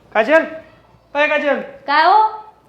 काजल काय काजल काय हो?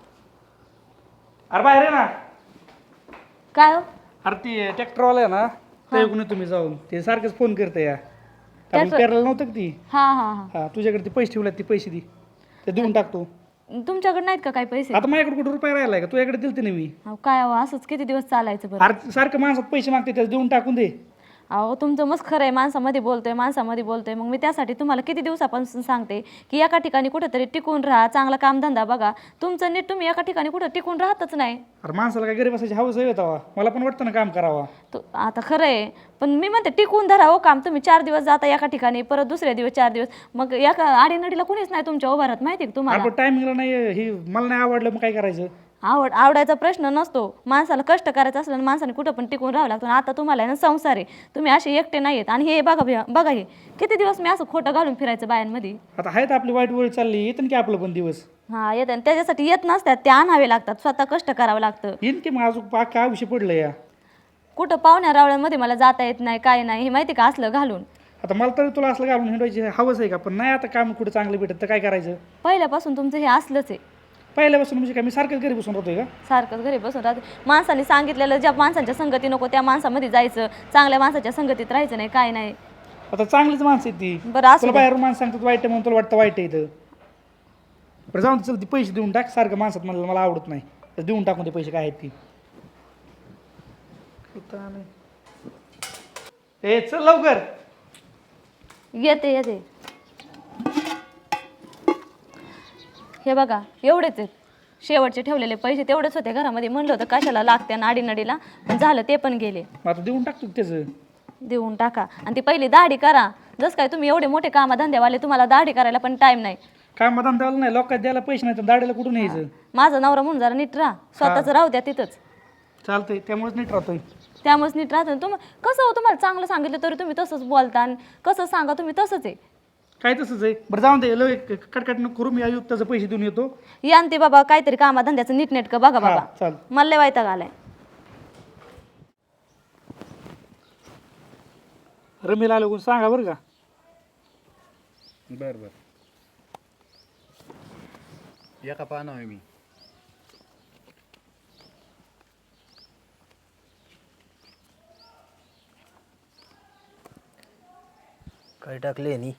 अरे बाहेर आहे ना. काय हो? अरे ती ट्रॅक्टरवाला आहे ना ते तुम्ही जाऊन ते सारखंच फोन करते या आपण ट्रॅक्टर- पेरायला नव्हतं का ती. हा हा हा हा तुझ्याकडे ते पैसे ठेवले ते पैसे दे ते देऊन टाकतो. तुमच्याकडे नाहीत का काही पैसे? आता माझ्याकडे कुठं रुपये राहिलाय का तुझ्याकडे दिलते ना मी. अहो, काय हो असंच किती दिवस चालायचं बरं? अरे सारखं माणसात पैसे मागते त्याला देऊन टाकून दे. अहो तुमचं मस्त खरं आहे, माणसामध्ये बोलतोय मग मी त्यासाठी तुम्हाला किती दिवसापासून सांगते की एका ठिकाणी कुठेतरी टिकून राहा, चांगला कामधंदा बघा. तुमचं नीट तुम्ही एका ठिकाणी कुठं टिकून राहतच नाही. अरे माणसाला काय गरीब असायची हवस आहे तवा मला पण वाटतं ना काम करावा. आता खरं आहे पण मी म्हणते टिकून धरा हो काम. तुम्ही 4 दिवस जाता एका ठिकाणी, परत दुसऱ्या दिवस 4 दिवस, मग एका आडीनडीला कुणीच नाही तुमच्या उभारात, माहिती आहे का तुम्हाला? आपण टायमिंगला नाही हे मला नाही आवडलं मग काय करायचं. आवडायचा प्रश्न नसतो. माणसाला कष्ट करायचं असलं ना माणसाने कुठं पण टिकून राहावं लागतं. आता तुम्हाला आहे ना संसार आहे, तुम्ही असे एकटे नाही आहेत. आणि हे बघा हे किती दिवस मी असं खोटं घालून फिरायचं बायांमध्ये. आता आहेत आपली वाईट वेळ चालली येतं की आपलं पण दिवस. हा येत त्याच्यासाठी येत नसतात, ते आणावे लागतात, स्वतः कष्ट करावं लागतं. येईन की मग अजून काय विषय पडलं या. कुठं पाहुण्या रावळ्यांमध्ये मला जाता येत नाही, काय नाही, हे माहिती का असलं घालून. आता मला तरी तुला असलं घालून हिंडवायची हवंच आहे का पण नाही आता काम कुठं चांगलं भेटत तर काय करायचं. पहिल्यापासून तुमचं हे असलंच आहे. पहिल्यापासून म्हणजे काय मी सारखंच घरी बसून राहतोय का. सारखंच घरी बसून राहते. माणसाने सांगितलेलं ज्या माणसांच्या संगती नको त्या माणसामध्ये जायचं, चांगल्या माणसाच्या संगतीत राहायचं नाही, काय नाही. आता चांगलीच माणसं आहेत ती. बरं असं तुला बाहेरून माणसं सांगतात वाईट आहे म्हणून तुला वाटतं वाईट आहे इथं. बरं जाऊन चल ती पैसे देऊन टाक सारखं माणसात मला आवडत नाही तर देऊन टाकून ते पैसे काय आहेत ती. ए चल लवकर. येते हे बघा एवढेच आहेत. शेवटचे ठेवलेले पैसे तेवढेच होते घरामध्ये. म्हणलं होतं कशाला लागते नाडीनडीला, पण झालं ते पण गेले. आता देऊन टाकतो त्याचं. देऊन टाका आणि ती पहिली दाढी करा. जसं काय तुम्ही एवढे मोठे कामधंद्यावाले, तुम्हाला दाढी करायला पण टाइम नाही. काय मदान द्यायला नाही लोकांना द्यायला पैसे नाही तर दाढीला कुठून यायचं. माझा नवरा म्हणून जरा नीट राहा, स्वतःच राहू द्या तिथंच. चालतंय त्यामुळेच नीट राहतोय. त्यामुळेच नीट राहतो. कसं हो तुम्हाला चांगलं सांगितलं तरी तुम्ही तसंच बोलता, आणि कसं सांगा तुम्ही तसंच आहे. काय तसंच आहे. बरं जाऊन दे कटकट नको करू मी आयुक्ताचं पैसे देऊन येतो. या आणि ते बाबा काहीतरी कामाधंद्याचं नीटनेटकं बघा बाबा. चाल मला लय वैताग आलाय. रमेला आलो सांगा बरं का. बर एका पाहणं आहे मी. काय टाकले नी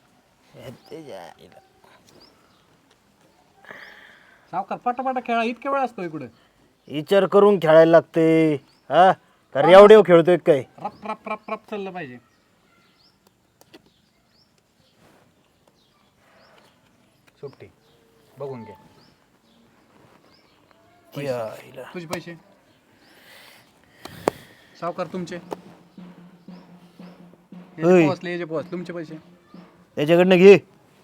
सावकार पटापटा खेळा इतक्या वेळ असतो इकडे. विचार करून खेळायला लागते. हा तर एवढे खेळतोय काय. रप रप रप रप चाललं पाहिजे. सुट्टी बघून घ्या. तुझे पैसे सावकार तुमचे पोहोचले तुमचे पैसे त्याच्याकडनं घे.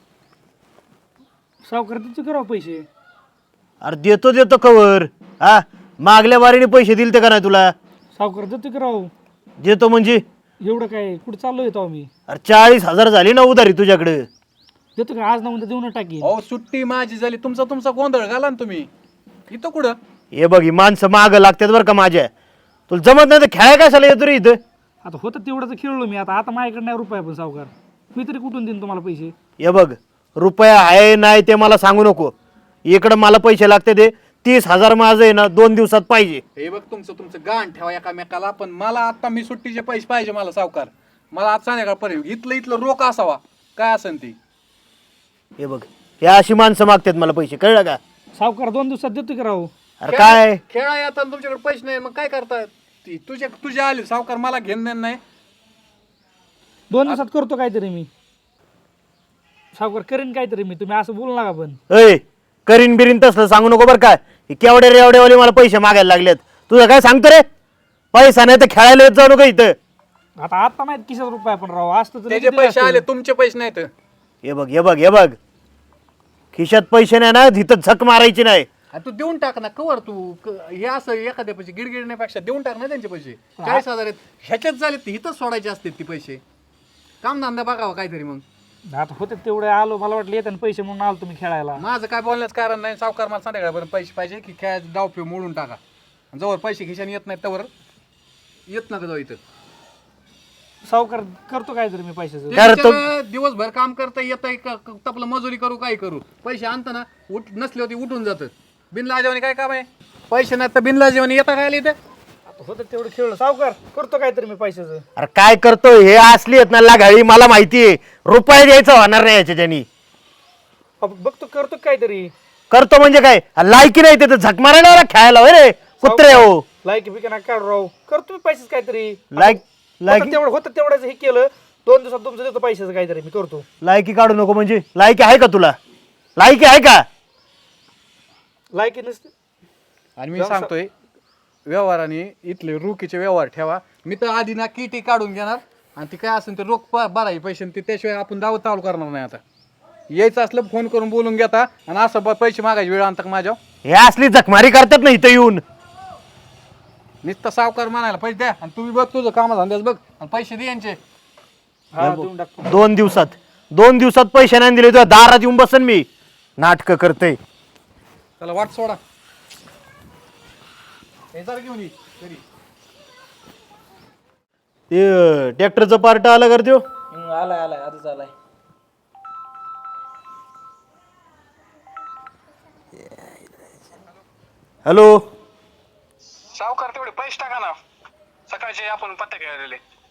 सावकार तिचं करावं पैसे. अरे देतो कवर. हा मागल्या वारीने पैसे दिले ते का नाही तुला. सावकार देतो करावं. देतो म्हणजे एवढं काय कुठं चाललो येतो आम्ही. अरे 40,000 झाली ना उधारी तुझ्याकडे. देतो का आज ना उद्या देऊन टाकी. हो सुट्टी माझी झाली तुमचा गोंधळ घाला ना तुम्ही इथं कुठं. हे बघ ही माणसं माग लागतात बरं का माझ्या. तुला जमत नाही तर खेळाय कशाला येतो रे इथं. आता होतं तेवढं तर खेळलो मी. आता माझ्याकडे नाही रुपये पण सावकार मी तरी कुठून देईन तुम्हाला पैसे. हे बघ रुपया आहे नाही ते मला सांगू नको. इकडं मला पैसे लागते ते 30,000 माझं आहे ना 2 दिवसात पाहिजे. हे बघ तुमचं गाण ठेवा एकामेकाला. पण मला आता मी सुट्टीचे पैसे पाहिजे मला सावकार. मला आज संध्याकाळपर्यंत इथलं रोख असावा काय असेल ती. हे बघ हे अशी माणसं मागतात मला पैसे कळलं का. सावकार 2 दिवसात देतो की राव. अरे काय खेळा येतात तुमच्याकडे पैसे नाही मग काय करतात. ती तुझे आले सावकार मला घेणं नाही. 2 दिवसात करतो काहीतरी मी. सावकार करीन काहीतरी मी. तुम्ही असं बोलू नका पण. अय करीन बिरीन तसलं सांगू नको बरं काय. केवढे रेवडेवाले मला पैसे मागायला लागलेत. तुझं काय सांगतो रे. पैसा नाही तर खेळायला येत जाऊ नको इथं. आता माहित किशात रुपये पण राव असतं तर त्याचे पैसे आले तुमचे पैसे नाहीत. हे बघ खिशात पैसे नाही ना तिथं झक मारायची नाही. तू देऊन टाक ना कवर तू हे असं एखाद्या पैसे गिडगिडण्यापेक्षा देऊन टाक ना त्यांचे पैसे. 40,000 आहेत ह्याच्यात झाले ते इथंच सोडायचे असते ती पैसे. कामधंदा बघावा काहीतरी मग. आता होते तेवढे आलो मला वाटलं येतात पैसे म्हणून आलो तुम्ही खेळायला. माझं काय बोलण्याचं कारण नाही. सावकार मला संध्याकाळपर्यंत पैसे पाहिजे की काय डाव पिऊ मोडून टाका. जवळ पैसे खिशाने येत नाहीत त्यावर येत नका जाऊ इथं. सावकार करतो काय तरी मी पैशाचं. ते बिचारं दिवसभर काम करता येतंय तपलं मजुरी करू काय करू, पैसे आणताना नसले होते उठून जातात. बिनलाजेवानी काय काम आहे, पैसे नाही तर बिनलाजेवानी येता काय इथे. आता होतं तेवढं खेळलं सावकार, करतो काय तरी मी पैशाचं. अरे काय करतोय हे, असली आहेत ना लागाळी, मला माहितीये रुपये द्यायचा होणार नाही याच्यानी. बघतो करतो काहीतरी. करतो म्हणजे काय, लायकी नाही ते झक मारायला खेळायला होय रे कुत्रे हो. लायकी बिका ना काढ राव, करतो मी पैशाचं काहीतरी. लायकी तेवढं होतं तेवढंच हे केलं, 2 दिवसात तुमचं देतो पैशाचं काहीतरी मी करतो. लायकी काढू नको म्हणजे, लायकी आहे का तुला, लायकी आहे का? लायकी नसते. आणि मी सांगतोय व्यवहाराने इथले रोखीचे व्यवहार ठेवा. मी तर आधी ना किटी काढून घेणार आणि ती काय असेल ते रोख भरायचे पैसे, ते त्याशिवाय आपण दावत चालू करणार नाही. आता यायचं असलं फोन करून बोलून घेता आणि असं पैसे मागायची वेळ आणता माझ्या. हे असली जखमारी करतात ना इथं येऊन. नुसतं सावकार म्हणायला पैसे द्या आणि तुम्ही बघ तुझं कामाधंद्याच बघ आणि पैसे दे यांचे. हा देऊन टाकतो. 2 दिवसात पैसे नाही दिले तुझ्या दारात येऊन बसन मी. नाटक करते. त्याला वाट सोडा, हे जरा घेऊन ये घरी. ते ट्रॅक्टरचं पार्ट आलं कर त्यो. आलाय आधीच आलाय. हॅलो सावकार तेवढे पैसे टाका ना, सकाळचे आपण पत्ते खेळलेले.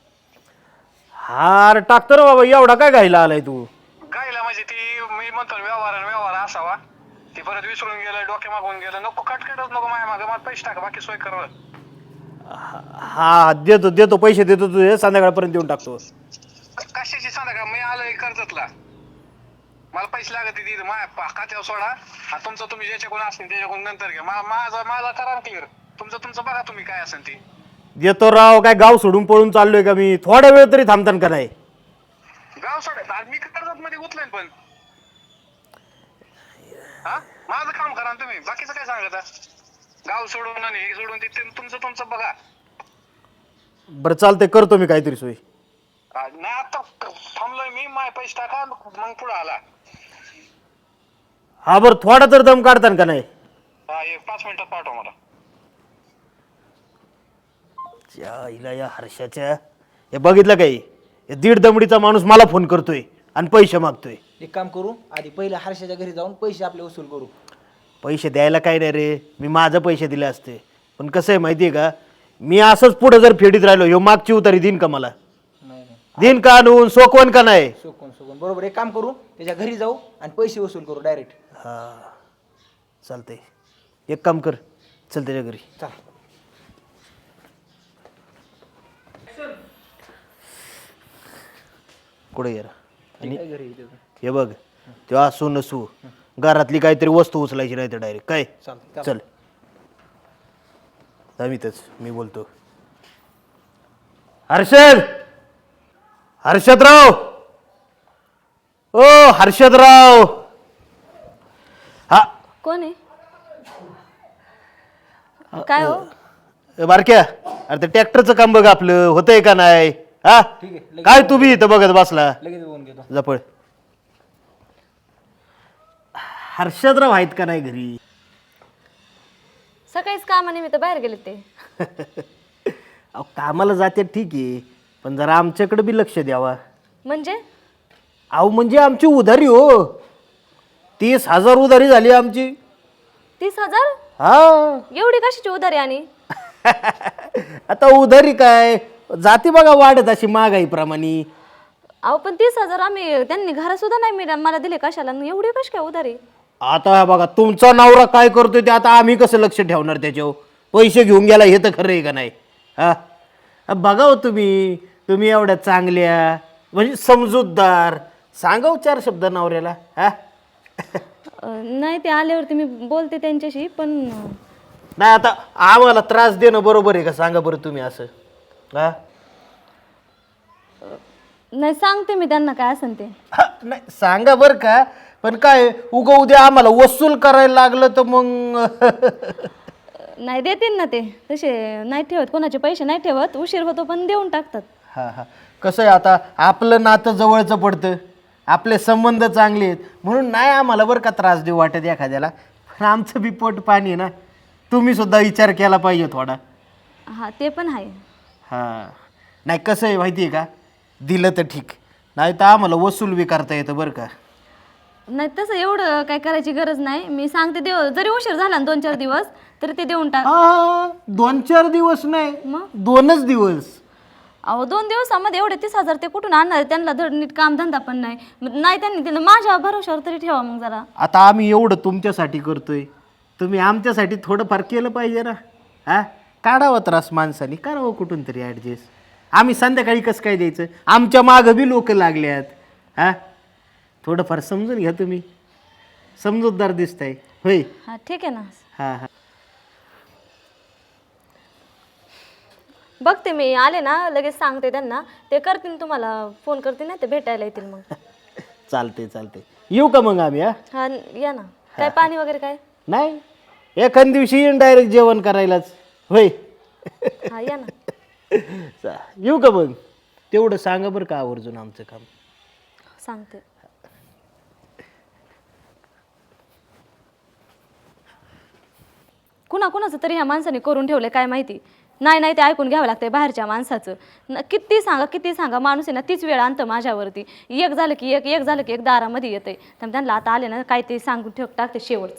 हार टाकतो रे बाबा, एवढा काय घायला आलाय तू. गायला म्हणजे ती मी म्हणतो व्यवहार असावा, ती परत विसरून गेलं, डोके मागून गेलं. नको कटकटच नको माझ्या मागे, मला पैसे टाका, बाकी सोय कर. हा देतो पैसे देतो तुझे, संध्याकाळपर्यंत देऊन टाकतो. कशाची सांगा, मी आलोय कर्जतला, मला पैसे लागत तिथे माझ्या खात्यावर सोडा. आणि तुमचं तुम्ही ज्याच्याकडून असेल त्याच्याकडून नंतर घ्या. माझा करा क्लिअर, तुमचं बघा तुम्ही काय असेल ती. देतो राव, काय गाव सोडून पळून चाललोय का मी, थोडा वेळ तरी थांबतान का नाही. गाव सोडायचं आज मी कर्जत मध्ये गुतलोय पण. हा माझं काम करा ना तुम्ही, बाकीचं काय सांगता. गाव सोडून आणि हे सोडून ते तुमचं बघा. बरं चालतंय, करतो मी काहीतरी सोय. नाही आता थांबलोय मी, माय पैसे टाका मग पुढे आला. हा बरं, थोडा तर दम काढतान का नाही. हा 5 मिनिटात पाठवा मला. हिला या हर्षाच्या, हे बघितलं काही, हे 1.5 दमडीचा माणूस मला फोन करतोय आणि पैसे मागतोय. एक काम करू, आधी पहिले हर्षाच्या घरी जाऊन पैसे आपले वसूल करू. पैसे द्यायला काय नाही रे, मी माझं पैसे दिले असते. पण कसं आहे माहिती आहे का, मी असंच पुढे जर फेडीत राहिलो, ह्यो मागची उतारी देईन का मला, नाही देईन का आणून, सोकवण का नाही. सोकून बरोबर. एक काम करू, त्याच्या घरी जाऊ आणि पैसे वसूल करू डायरेक्ट. हा चालतंय, एक काम कर, चल त्याच्या घरी. चल. कुठे गेला आणि काय घरी येते? हे बघ, तो असू नसू घरातली काहीतरी वस्तू उचलायची नाही तर डायरेक्ट काय. चालतंय. चल अमितच मी बोलतो. हर्षदराव, ओ हर्षदराव. हा कोण आहे? काय हो? बारक्या, अरे ते ट्रॅक्टरचं काम बघ आपलं होतंय का नाही. हा ठीक आहे, काय तू बी इथं बघत बसला. लगेच बोलून घेतो. जपळ. हर्षदराव आहेत का नाही घरी? सकाळीच कामानिमित्त बाहेर गेले ते. अहो कामाला जाते ठीक आहे, पण जरा आमच्याकडे बी लक्ष द्यावा. म्हणजे अहो म्हणजे आमची उधारी हो, 30,000 उधारी झाली आमची. 30,000? हा एवढी कशाची उधारी? आणि आता उधारी काय जाते बघा वाढत अशी महागाईप्रमाणे. अहो पण 30,000 आम्ही त्यांनी घरा सुद्धा नाही मला दिले, कशाला एवढी कशी काय उधारी? आता बघा तुमचा नवरा काय करतोय ते आता आम्ही कसं लक्ष ठेवणार त्याच्यावर. पैसे घेऊन गेला हे तर खरं आहे का नाही. हा बघा हो, तुम्ही एवढ्या चांगल्या म्हणजे समजूतदार, सांगा 4 शब्द नवऱ्याला. हा नाही, ते आल्यावरती मी बोलते त्यांच्याशी. पण नाही आता आम्हाला त्रास देणं बरोबर आहे का सांगा बरं तुम्ही असं. हा नाही, सांगते मी त्यांना काय असेल ते. नाही सांगा बरं का, पण काय उगा उद्या आम्हाला वसूल करायला लागलं तर मग नाही, देतील ना ते. तसे नाही ठेवत, कोणाचे पैसे नाही ठेवत, उशीर होतो पण देऊन टाकतात. हा कसं आहे आता आपलं नातं जवळचं पडतं, आपले संबंध चांगले आहेत म्हणून नाही आम्हाला बरं का त्रास देऊ वाटत एखाद्याला. पण आमचं बी पोट पाणी आहे ना, तुम्ही सुद्धा विचार केला पाहिजे थोडा. हा ते पण आहे. हां नाही कसं आहे माहिती आहे का, दिलं तर ठीक, नाही तर आम्हाला वसूल बी करता येतं बरं का. नाही तसं एवढं काय करायची गरज नाही. मी सांगते देव, जरी उशीर झाला ना 2-4 दिवस तरी ते देऊन टाक. 2-4 दिवस नाही, मग 2च दिवस. अहो 2 दिवसामध्ये एवढे 30,000 ते कुठून आणणार? त्यांना धड नीट काम धंदा पण नाही. नाही त्यांनी दिलं, माझ्या भरोशावर तरी ठेवा मग जरा. आता आम्ही एवढं तुमच्यासाठी करतोय, तुम्ही आमच्यासाठी थोडंफार केलं पाहिजे ना. हा, काढावं त्रास माणसाने, करावं कुठून तरी ॲडजस्ट. आम्ही संध्याकाळी कसं काय द्यायचं? आमच्या मागं बी लोक लागल्यात. हा, थोडंफार समजून घ्या तुम्ही, समजूतदार दिसताय होय. हा ठीक आहे ना. हां हां. बघते मी, आले ना लगेच सांगते त्यांना, ते करतील तुम्हाला फोन करतील ना, ते भेटायला येतील मग. चालते चालते, येऊ का मग आम्ही? हा या ना. काय पाणी वगैरे काय? नाही, एखाद दिवशी येईन डायरेक्ट जेवण करायलाच होय. हा या ना. येऊ का मग? तेवढं सांगा बरं का आवर्जून आमचं काम. सांगते. कुणाचं तरी ह्या माणसाने करून ठेवले काय माहिती. नाही ते ऐकून घ्यावं लागतंय बाहेरच्या माणसाचं. किती सांगा माणूस आहे ना तीच वेळ आणतं माझ्यावरती. एक झालं की एक दारामध्ये येतंय. त्यामुळे त्यांना आता आले ना काय ते सांगून टाकते शेवटचं.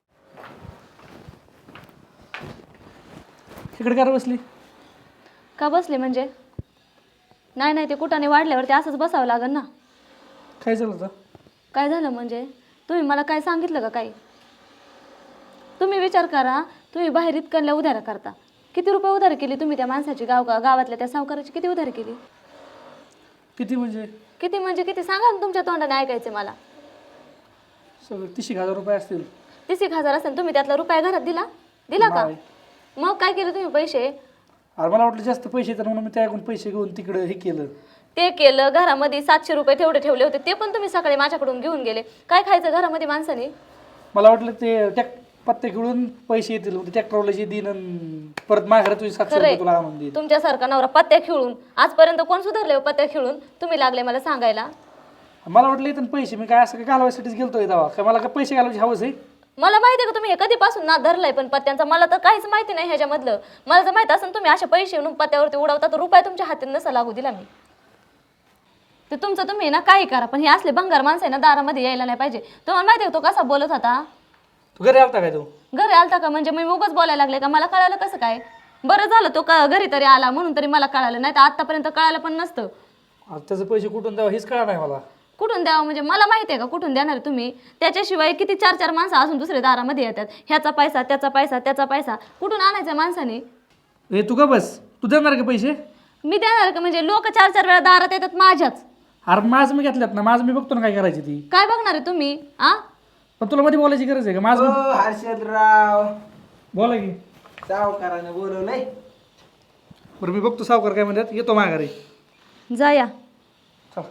इकडे काय बसली? का बसले म्हणजे? नाही ते कुठाने वाढल्यावरती असंच बसावं लागेल ना. काय झालं होतं? काय झालं म्हणजे? तुम्ही मला काय सांगितलं का काही? तुम्ही विचार करा, तुम्ही बाहेर इतकल्या उधार करता. किती रुपये उधार केली तुम्ही त्या माणसाची? गावातल्या त्या सावकाराची किती उधार केली? किती म्हणजे? किती सांगा ना, तुमच्या तोंडाने ऐकायचे मला. सगळं 30,000 रुपये असतील. 30,000 असेल, तुम्ही त्यातला रुपया घरात दिला का? मग काय केलं तुम्ही पैसे? अरे मला वाटलं जास्त पैसे तर म्हणून मी त्याकडून पैसे घेऊन तिकडं हे केलं. ते केलं. घरामध्ये 700 रुपये तेवढे ठेवले होते, ते पण तुम्ही सकाळी माझ्याकडून घेऊन गेले. काय खायचं घरामध्ये माणसाने? मला वाटलं ते पत्ते खेळून पैसे येतील, ट्रॅक्टरवाला जे दिन परत माझ्या तुझी 700 रुपये तुला आणून देईल. तुमच्यासारखा नवरा पत्त्या खेळून आजपर्यंत कोण सुधारले हो? पत्त्या खेळून तुम्ही लागले मला सांगायला. मला वाटलं इथून पैसे मी काय असं काय घालवायसाठीच गेलतोय दावा, काय मला काय पैसे घालवायची हवंच आहे? मला माहिती आहे का तुम्ही हे कधीपासून नाद धरलाय, पण पत्त्यांचा मला तर काहीच माहिती नाही ह्याच्यामधलं. मला जर माहित असेल तुम्ही असे पैसे येऊन पत्त्यावरती उडवता तर रुपये तुमच्या हातात नसा लागू दिला मी. ते तुमचं तुम्ही ना काही करा, पण हे असले भंगार माणसं आहे ना दारामध्ये यायला नाही पाहिजे. तुम्हाला माहिती आहे तो कसा बोलत होता? तू घरी आलता काय? तू घरी आलता का म्हणजे मी उगाच बोलायला लागले का? मला कळालं कसं काय? बरं झालं तो घरी तरी आला म्हणून तरी मला कळालं, नाही तर आतापर्यंत कळालं पण नसतं. त्याचे पैसे कुठून द्यावं हेच कळा नाही मला. कुठून द्यावं म्हणजे मला माहिती आहे का कुठून देणार तुम्ही? त्याच्याशिवाय किती 4 माणसं असून दुसरे दारामध्ये येतात. ह्याचा पैसा त्याचा पैसा कुठून आणायचा माणसाने? हे तू का बस, तू देणार का पैसे? मी देणार का म्हणजे? लोक 4 वेळा दारात येतात माझ्याच. अरे माझं मी घेतल्यात ना, माझं मी बघतो ना काय करायची ती. काय बघणार आहे तुम्ही? पण तुला मध्ये बोलायची गरज आहे का? माझं हर्षदराव, बोला की. सावकाराने बोलवलंय. बरं मी बघतो सावकार काय म्हणतात, येतो माघारी. जा या. चल.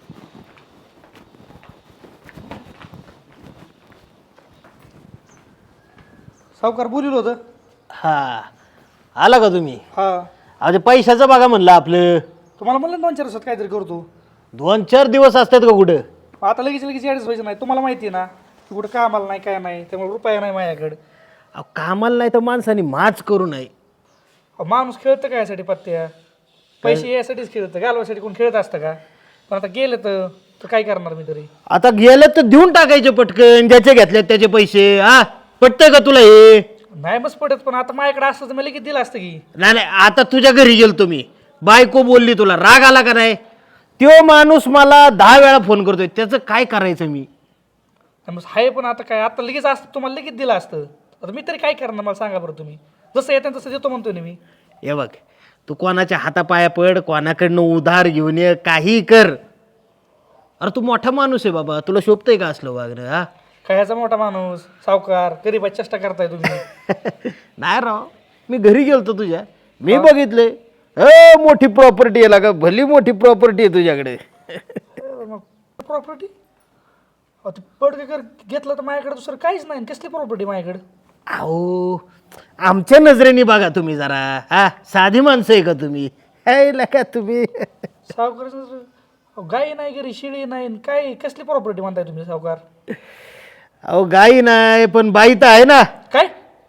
सावकार बोलिल होतं. हा, आला का तुम्ही? हा, अरे पैशाचं बघा म्हणलं आपलं. तुम्हाला म्हणलं 2-4 दिवसात काहीतरी करतो. 2-4 दिवस असतात का कुठं? आता लगेच ॲडजस्ट व्हायचं नाही. तुम्हाला माहिती आहे ना की कुठं कामाला नाही काय नाही, त्यामुळे रुपया नाही माझ्याकडे. अहो, कामाला नाही तर माणसाने माच करू नये. माणूस खेळतं काय यासाठी पत्त्या? पैसे यासाठीच खेळतं, घालवासाठी कोण खेळत असतं का? पण आता गेलं तर काय करणार मी तरी? आता गेलं तर देऊन टाकायचे पटकन, ज्याचे घेतले त्याचे पैसे. हा, पटतंय का तुला हे? नाही बस पडत, पण आता माझ्याकडे असतं तर मी लगेच दिलं असतं की. नाही आता तुझ्या घरी गेलो तुम्ही, बायको बोलली, तुला राग आला का नाही? तो माणूस मला 10 वेळा फोन करतोय, त्याचं काय करायचं मी? मग आहे, पण आता काय, आता लगेच असतं तुम्हाला लगेच दिलं असतं. आता मी तरी काय करणार मला सांगा बरं तुम्ही. जसं येतं तसं देतो म्हणतोय ना मी. हे बघ, तू कोणाच्या हातापाया पड, कोणाकडनं उधार घेऊन ये, काही कर. अरे तू मोठा माणूस आहे बाबा, तुला शोभतंय का असलं वागणं? हा, काय ह्याचा मोठा माणूस सावकार गरीबाची चेष्टा करताय तुम्ही. नाही राव, मी घरी गेलतो तुझ्या, मी बघितलंय. मोठी प्रॉपर्टी आहे का? भली मोठी प्रॉपर्टी आहे तुझ्याकडे. प्रॉपर्टी पडके कर घेतलं तर माझ्याकडे दुसरं काहीच नाही. कसली प्रॉपर्टी माझ्याकडे? अहो, आमच्या नजरेने बघा तुम्ही जरा. हा, साधी माणसं आहे का तुम्ही? का तुम्ही? सावकार गाई नाही घरी, शिळी नाही, काय कसली प्रॉपर्टी म्हणताय तुम्ही सावकार? अहो, गाई नाही पण बाई तर आहे ना. काय?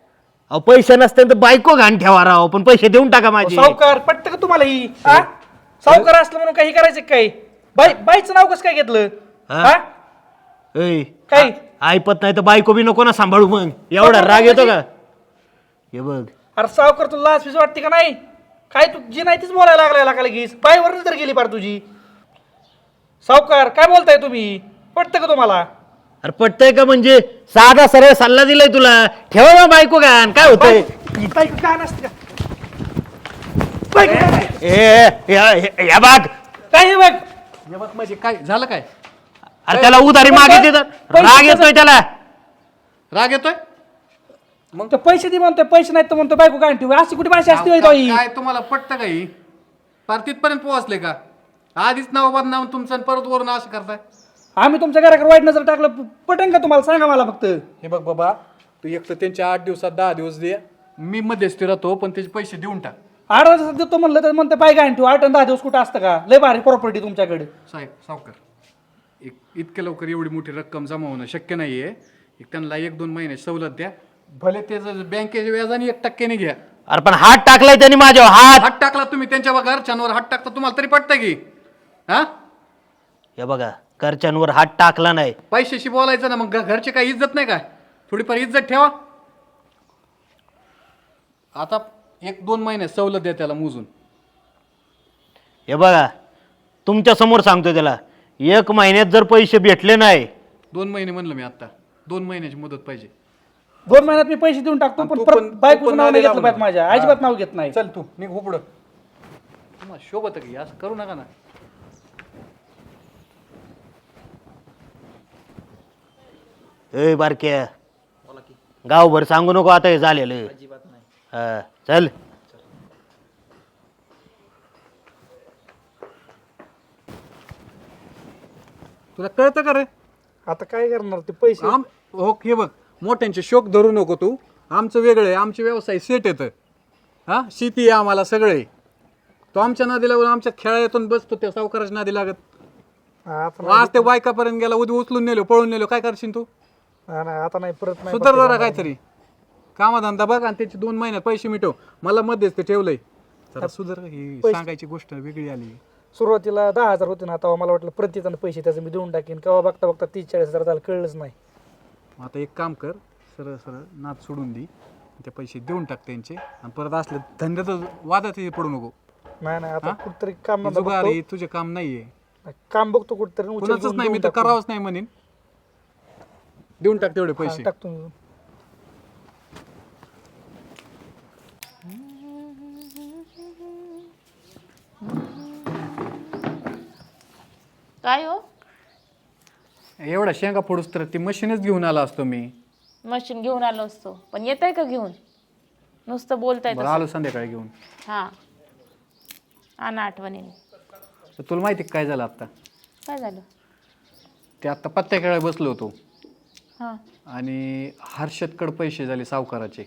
अहो, पैसे नसते तर बायको घाण ठेवा राव, पण पैसे देऊन टाका माझे. सावकार पटतं का तुम्हाला ही? सावकार असलं म्हणून काही करायचं काही बाईचं नाव कसं काय घेतलं हा? हा ऐ काही ऐपत नाही तर बायको बी नको ना सांभाळू मग एवढा राग येतो का हे बघ अरे सावकार तुला लाच फीस वाटते का नाही काय तू जी नाही तीच बोलायला लागलाय का लगेच बाईवरच तर गेली पार तुझी सावकार काय बोलताय तुम्ही पटतं का तुम्हाला अरे पटतंय का म्हणजे साधा सरळ सल्ला दिलाय तुला ठेवा ना बायको गान काय होतंय बायको का नसते का बायको का नाही? या बाग काय हे बघ हे बघ म्हणजे काय झालं काय अरे त्याला उधारी मागितली तर राग येतोय त्याला राग येतोय मग पैसे दे म्हणतोय पैसे नाही तर म्हणतो बायको काय ठेवू अशी कुठे भाषा असते होय ताई? काय तुम्हाला पटतं का ही पार तिथपर्यंत पोहोचले का आधीच नाव बदनाम तुमचं आणि परत वरून असं करताय आम्ही तुमच्या घराकडे वाईट नजर टाकलं पटेन का तुम्हाला सांगा मला फक्त हे बघ बाबा तू एक तर त्यांच्या 8 दिवसात 10 दिवस दे मी मध्यस्थी राहतो पण त्याचे पैसे देऊन टाक 8 दिवसात देतो म्हणलं तर म्हणते बाय काय ठेवू 8 आणि 10 दिवस कुठं असतं का लय भारी प्रॉपर्टी तुमच्याकडे साहेब सावकार इतक्या लवकर एवढी मोठी रक्कम जमा होणं शक्य नाहीये त्यांना 1-2 महिने सवलत द्या भले ते बँकेच्या व्याजाने 1% घ्या अरे पण हात टाकलाय त्यांनी माझ्यावर हात टाकला तुम्ही त्यांच्या घरच्यांवर हात टाकता तुम्हाला तरी पटतं की हा हे बघा घरच्यांवर हात टाकला नाही पैशाशी बोलायचं ना मग घरचे काही इज्जत नाही काय थोडीफार इज्जत ठेवा आता 1-2 महिने सवलत द्या त्याला मोजून हे बघा तुमच्या समोर सांगतोय त्याला 1 महिन्यात जर पैसे भेटले नाही 2 महिने म्हणलं मी आता 2 महिन्याची मदत पाहिजे 2 महिन्यात मी पैसे देऊन टाकतो पण परत बायकोचं नाव नाही घेतलं पाहिजे माझ्या अजिबात नाव घेत नाही चल तू निघ पुढं तुम्हाला शोभत की असं करू नका ना ए बारक्या गावभर सांगू नको आता हे झालेलं हा चल तुला कळतं का रे आता काय करणार ते पैसे हो हे बघ मोठ्यांचे शोक धरू नको तू आमचं वेगळं आहे आमचे व्यवसाय सेट येतं हा शेती आहे आम्हाला सगळे तो आमच्या नादी लागून आमच्या खेळातून बसतो त्या सावकाराच्या नादी लागत आज ते बायकापर्यंत गेला उद्या उचलून नेलो पळून नेलो काय करशील तू आता नाही परत नाही सुधार जरा काहीतरी कामाधंदा बघ आणि त्याचे 2 महिन्यात पैसे मिटव मला मध्येच ते ठेवलंय जरा सुधार ही सांगायची गोष्ट वेगळी आली सुरुवातीला 10,000 होते ना तेव्हा मला वाटलं प्रतिजण पैसे त्याचं मी देऊन टाकेन केव्हा बघता बघता 30-40,000 झालं कळलंच नाही आता एक काम कर सरळ सरळ नाद सोडून दे ते पैसे देऊन टाक त्यांचे आणि परत असले धंद्यात वादात पडू नको नाही आता कुठतरी काम हे जुगार आहे, तुझे काम नाहीये काम बघतो कुठतरी उचल कुणाचंच घेऊन नाही मी देऊन तर टाकतो. करावंच नाही म्हणेन देऊन टाक तेवढे हा, पैसे टाकतो मी. काय हो एवढा शेंगा फोडूस तर ती मशीनच घेऊन आला असतो मी मशीन घेऊन आलो असतो पण येत आहे का घेऊन नुसतं बोलताय बरं आलो संध्याकाळी घेऊन हा आणा आठवणीने तर तुला माहिती काय झालं आता काय झालं ते आता पत्त्या खेळायला बसलो होतो हा आणि हर्षदकडे पैसे झाले सावकाराचे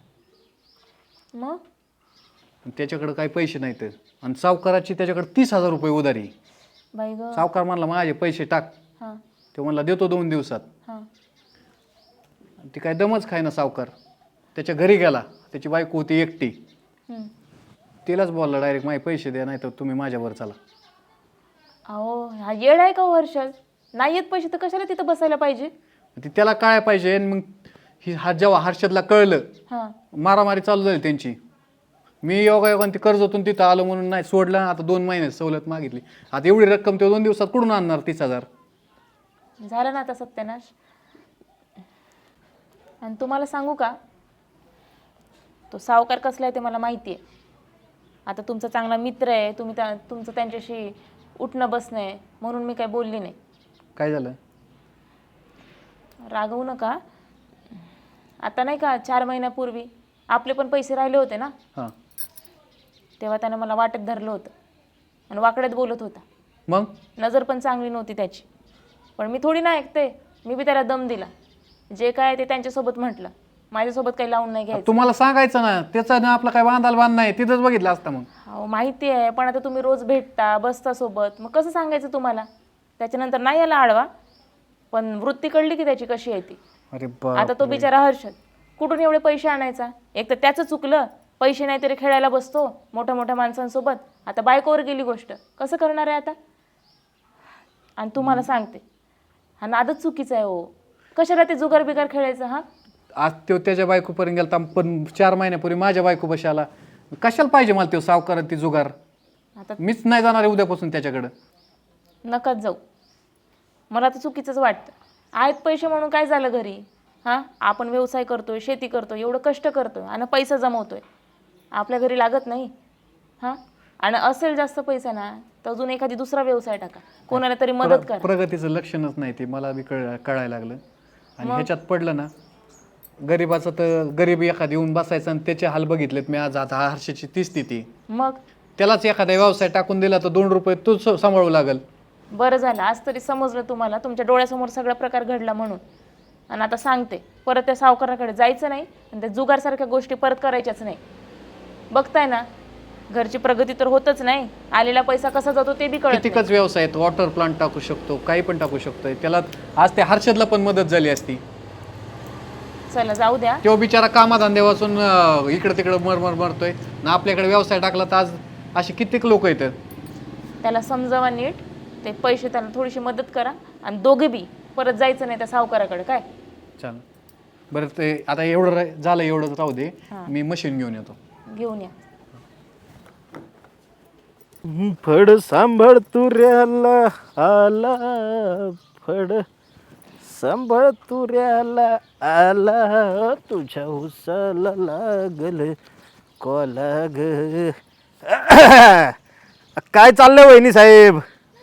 मग त्याच्याकडे काही पैसे नाहीत आणि सावकाराची त्याच्याकडे 30,000 रुपये उधारी बाई ग सावकार म्हणला माझे पैसे टाक हा ते म्हणला देतो 2 दिवसात हा ती काय दमच खाय ना सावकार त्याच्या घरी गेला त्याची बायको होती एकटी हम्म. तिलाच बोलला डायरेक्ट माझे पैसे द्या नाही तर तुम्ही माझ्यावर चला अहो हा येड आहे का हो हर्षद नाही येत पैसे तर कशाला तिथं बसायला पाहिजे ती त्याला काय पाहिजे आणि मग जेव्हा हर्षदला कळलं हा मारामारी चालू झाली त्यांची मी योगायोगाने ती कर्जातून तिथं आलो म्हणून नाही सोडलं आता 2 महिने सवलत मागितली आता एवढी रक्कम ते 2 दिवसात कुठून आणणार 30,000 झालं ना आता सत्यानाश आणि तुम्हाला सांगू का तो सावकार कसला आहे ते मला माहिती आहे आता तुमचा चांगला मित्र आहे तुम्ही तुमचं त्यांच्याशी उठणं बसणं आहे म्हणून मी काही बोलली नाही काय झालं रागवू नका आता नाही का 4 महिन्यापूर्वी आपले पण पैसे राहिले होते ना हां तेव्हा त्यानं मला वाटेत धरलं होतं आणि वाकड्यात बोलत होता मग नजर पण चांगली नव्हती त्याची पण मी थोडी ना ऐकते मी बी त्याला दम दिला जे काय ते त्यांच्यासोबत म्हटलं माझ्यासोबत काही लावून नाही घ्यायचं तुम्हाला सांगायचं ना त्याचा ना आपला काय बांधाल बांध नाही तिथंच बघितलं असतं मग हो माहिती आहे पण आता तुम्ही रोज भेटता बसता सोबत मग कसं सांगायचं तुम्हाला त्याच्यानंतर नाही याला आडवा पण वृत्ती कळली की त्याची कशी आहे ती अरे आता तो बिचारा हर्षद कुठून एवढे पैसे आणायचा एक तर त्याचं चुकलं पैसे नाही तरी खेळायला बसतो मोठ्या मोठ्या माणसांसोबत. आता बायकोवर गेली गोष्ट, कसं करणार आहे आता? आणि तुम्हाला सांगते, हा नादच चुकीचा आहे हो. कशाला ते जुगार बिगार खेळायचं? हा, आज तो त्याच्या बायकोपर्यंत गेला, पण 4 महिन्यापूर्वी माझ्या बायको बशी आला. कशाला पाहिजे मला तो सावकार ती जुगार? आता मीच नाही जाणार आहे उद्यापासून त्याच्याकडं. नकाच जाऊ. मला तर चुकीचंच वाटतं. आहेत पैसे म्हणून काय झालं घरी? हां, आपण व्यवसाय करतोय, शेती करतोय, एवढं कष्ट करतोय आणि पैसा जमवतोय, आपल्या घरी लागत नाही? हां, आणि असेल जास्त पैसा ना तर अजून एखादी दुसरा व्यवसाय टाका, कोणाला तरी मदत करा. प्रगतीचं लक्षणच नाही ते मला बी कळायला लागलं. आणि ह्याच्यात पडलं ना, गरीबाचं तर गरीब एखादी येऊन बसायचं आणि त्याचे हाल बघितलेत मी आज. आता हर्षाची ती स्थिती. मग त्यालाच एखादा व्यवसाय टाकून दिला तर 2 रुपये तूच सांभाळू लागल. बरं झालं आज तरी समजलं तुम्हाला, तुमच्या डोळ्यासमोर सगळा प्रकार घडला म्हणून. आणि आता सांगते, परत त्या सावकाराकडे जायचं नाही आणि त्या जुगारसारख्या गोष्टी परत करायच्याच नाही. बघताय ना, घरची प्रगती तर होतच नाही, आलेला पैसा कसा जातो ते बी कळत नाही. कितीकच व्यवसाय आहेत, वॉटर प्लांट टाकू शकतो, काही पण टाकू शकतोय. त्याला आज त्या हर्षदला पण मदत झाली असती. चला जाऊ द्या. तो बिचारा कामाधंदे वाचून इकडं तिकडं मरतोय ना. आपल्याकडे व्यवसाय टाकला तर आज असे कित्येक लोक येतात. त्याला समजावा नीट, ते पैसे त्याला थोडीशी मदत करा आणि दोघे बी परत जायचं नाही त्या सावकाराकडे. काय चल बरं, ते आता एवढं झालं, एवढं राहू दे. मी मशीन घेऊन येतो. घेऊन या. फड सांभाळ तुऱ्याला आला, फड सांभाळ तुऱ्याला आला, तुझ्या उसाला लागल कोला ग. काय चाललंय वहिनी साहेब?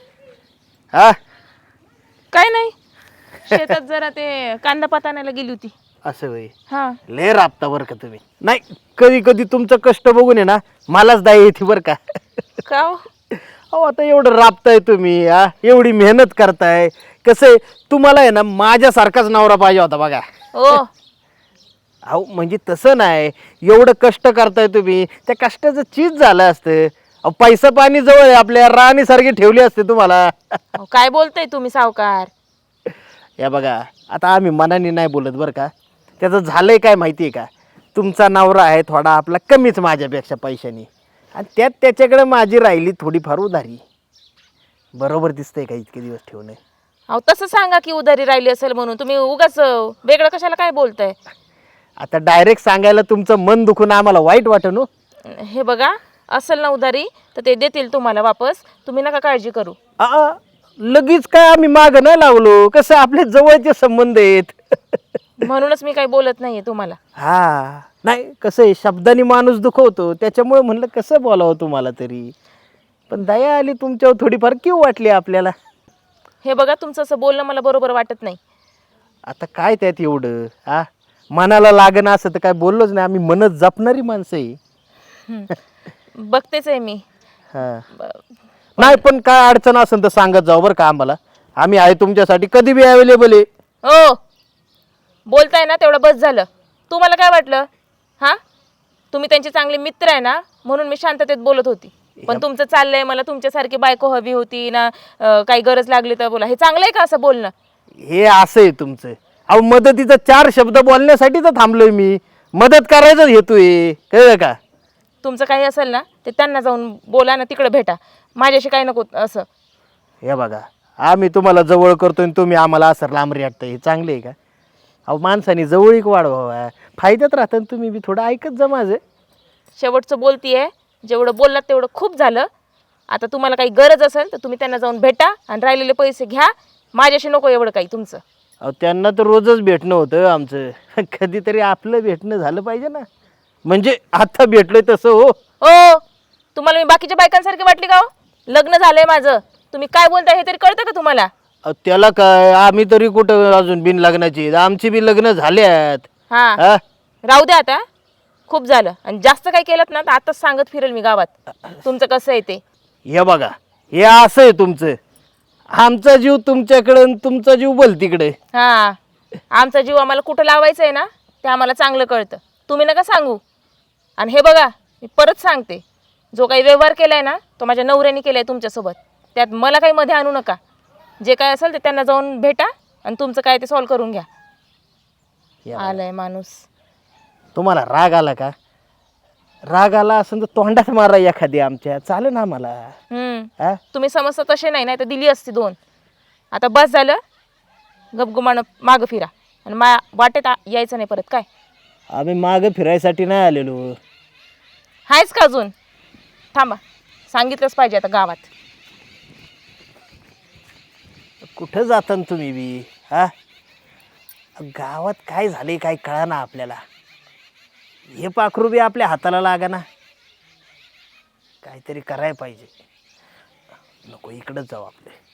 हा, काय नाही, शेतात जरा ते कांदा पात आणायला गेली होती. असं वय हा, लय राबता बरं का तुम्ही. नाही, कधी कधी तुमचं कष्ट बघून आहे ना मलाच दाय येते बरं का. का हो? अहो आता एवढं राबताय तुम्ही, एवढी मेहनत करताय. कसं आहे, तुम्हाला आहे ना माझ्यासारखाच नवरा पाहिजे होता बघा. ओ, अहो म्हणजे तसं नाही, एवढं कष्ट करताय तुम्ही, त्या कष्टाचं चीज झालं असतं. अहो पैसा पाणी जवळ आहे, आपल्या राणीसारखी ठेवली असते तुम्हाला. अहो, काय बोलताय तुम्ही सावकार? या बघा, आता आम्ही मनाने नाही बोलत बरं का. त्याचं झालंय काय माहिती आहे का, तुमचा नवरा आहे थोडा आपला कमीच माझ्यापेक्षा पैशानी, आणि त्यात त्याच्याकडे माझी राहिली थोडीफार उधारी. बरोबर दिसतंय का इतके दिवस ठेवणे? अहो तसं सांगा की उधारी राहिली असेल म्हणून. तुम्ही उगाच वेगळं कशाला काय बोलताय? आता डायरेक्ट सांगायला तुमचं मन दुखून आम्हाला वाईट वाटन हो. हे बघा, असेल ना उधारी तर ते देतील तुम्हाला वापस, तुम्ही नका काळजी करू. लगेच काय आम्ही माग नाही लावलो, कसं आपले जवळचे संबंध आहेत. म्हणूनच मी काही बोलत नाहीये तुम्हाला. हा, नाही कसं आहे, शब्दांनी माणूस दुखवतो, त्याच्यामुळे म्हणलं कसं बोलावं तुम्हाला तरी. पण दया आली तुमच्यावर थोडीफार किंवा वाटली आपल्याला. हे बघा, तुमचं असं बोलणं मला बरोबर वाटत नाही. आता काय त्यात एवढं? मनाला लागणं असं तर काय बोललोच नाही, आम्ही मनच जपणारी माणसं आहे. बघतेच आहे मी. हा, नाही पण काय अडचण असेल तर सांगत जाऊ बरं का आम्हाला. आम्ही आहे तुमच्यासाठी कधी बी अवेलेबल आहे. हो, बोलताय ना तेवढं बस झालं. तुम्हाला काय वाटलं? हां, तुम्ही त्यांचे चांगले मित्र आहे ना म्हणून मी शांततेत बोलत होती. पण तुमचं चाललंय मला तुमच्यासारखी बायको हवी होती ना, काही गरज लागली तर बोला. हे चांगलं आहे का असं बोलणं? हे असं आहे तुमचं. अहो मदतीचा 4 शब्द बोलण्यासाठी तर थांबलोय मी, मदत करायचं हेतूय, कळलं का? तुमचं काही असेल ना ते त्यांना जाऊन बोला ना, तिकडे भेटा, माझ्याशी काही नको असं. हे बघा, आम्ही तुम्हाला जवळ करतोय आणि तुम्ही आम्हाला असं लांब रेटतं, हे चांगले आहे का? अहो माणसाने जवळीक वाढवावा, फायद्यात राहतं. तुम्ही बी थोडं ऐकत जा माझं. शेवटचं बोलतीये, जेवढं बोललात तेवढं खूप झालं. आता तुम्हाला काही गरज असेल तर तुम्ही त्यांना जाऊन भेटा आणि राहिलेले पैसे घ्या, माझ्याशी नको एवढं काही तुमचं. अहो त्यांना तर रोजच भेटणं होतं आमचं, कधीतरी आपलं भेटणं झालं पाहिजे ना. म्हणजे आता भेटलोय तसं हो. हो, तुम्हाला मी बाकीच्या बायकांसारखी वाटली का हो? लग्न झालंय माझं, तुम्ही काय बोलताय हे तरी कळतं का तुम्हाला? त्याला काय, आम्ही तरी कुठं अजून बिन लग्नाची, आमची बी लग्न झाल्यात. हा, राहू द्या आता, खूप झालं. आणि जास्त काय केलं ना तर आताच सांगत फिरेल मी गावात तुमचं कसं आहे ते. हे बघा, हे असं आहे तुमचं. आमचा जीव तुमच्याकडे, तुमचा जीव बोल तिकडे. हा, आमचा जीव आम्हाला कुठं लावायचं आहे ना ते आम्हाला चांगलं कळतं, तुम्ही नका सांगू. आणि हे बघा, मी परत सांगते, जो काही व्यवहार केलाय ना तो माझ्या नवऱ्याने केलाय तुमच्यासोबत, त्यात मला काही मध्ये आणू नका. जे काय असेल ते त्यांना जाऊन भेटा आणि तुमचं काय ते सॉल्व करून घ्या. आलाय माणूस. तुम्हाला राग आला का? राग आला असं तर तोंडात मारा एखादी आमच्या चालेल ना मला. हा तुम्ही समजता तसे नाही तर दिली असती 2. आता बस झालं, गपगुमानं मागं फिरा आणि वाटेत यायचं नाही परत. काय आम्ही मागं फिरायसाठी नाही आलेलो. हायच का अजून? थांबा, सांगितलंच पाहिजे आता गावात. कुठं जाता न तुम्ही बी? हा गावात काय झाले काय कळा ना आपल्याला. हे पाखरू बी आपल्या हाताला लागा ना. काहीतरी करायला पाहिजे. नको इकडंच जाऊ आपले.